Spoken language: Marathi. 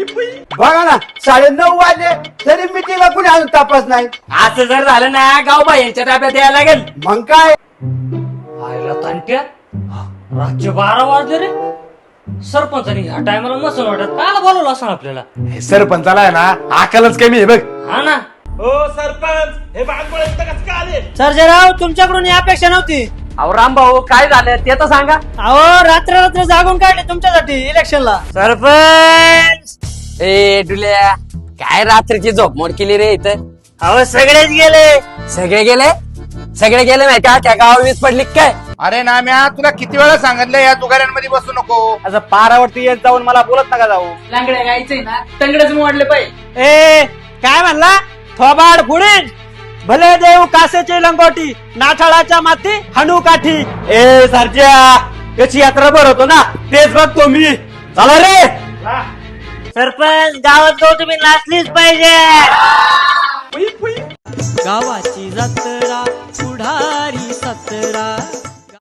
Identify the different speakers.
Speaker 1: बघा ना 9:30 वाजले तरी मिटिंगला कुणी अजून तपास नाही.
Speaker 2: असं जर झालं ना गावबा यांच्या ताब्यात यायला लागेल.
Speaker 1: मग काय
Speaker 2: आयला तांट्या रातचे 12 वाजले रे. सरपंचानी ह्या टायमाला नसून वाटत काला बोलवलं असं आपल्याला.
Speaker 3: हे सरपंचाला आहे ना अकलच कमी आहे बघ.
Speaker 2: हा ना.
Speaker 4: हो सरपंच हे बांगोळे कसं का आले?
Speaker 5: सर्जेराव तुमच्याकडून ही अपेक्षा नव्हती.
Speaker 2: अहो रामभाऊ काय झालं ते तर सांगा.
Speaker 5: अहो रात्र जागून काढले तुमच्यासाठी इलेक्शनला.
Speaker 2: सरपंच
Speaker 6: ए डुल्या काय रात्रीची झोपमोड केली रे इथं.
Speaker 5: अहो सगळेच गेले.
Speaker 6: सगळे गेले माहिती का त्या गावा वीज पडली काय.
Speaker 3: अरे नाम्या तुला किती वेळा सांगितलं या तुगाऱ्यांमध्ये बसू नको.
Speaker 4: असं पारावरती येत जाऊन मला बोलत नका जाऊ.
Speaker 2: लांगड्या गायचंय ना तंगडच मोडले पाहिजे.
Speaker 5: ए काय म्हणला थोबाड फुडीन. भले देऊ कासेची लंगोटी नाठाळाच्या माती हणू काठी.
Speaker 4: ए सरच्या याची यात्रा भर होतो ना तेच बघतो मी. चला रे.
Speaker 5: सरपंच गावात जाऊ तुम्ही नाचलीच पाहिजे. गावाची जत्रा पुढारी सतरा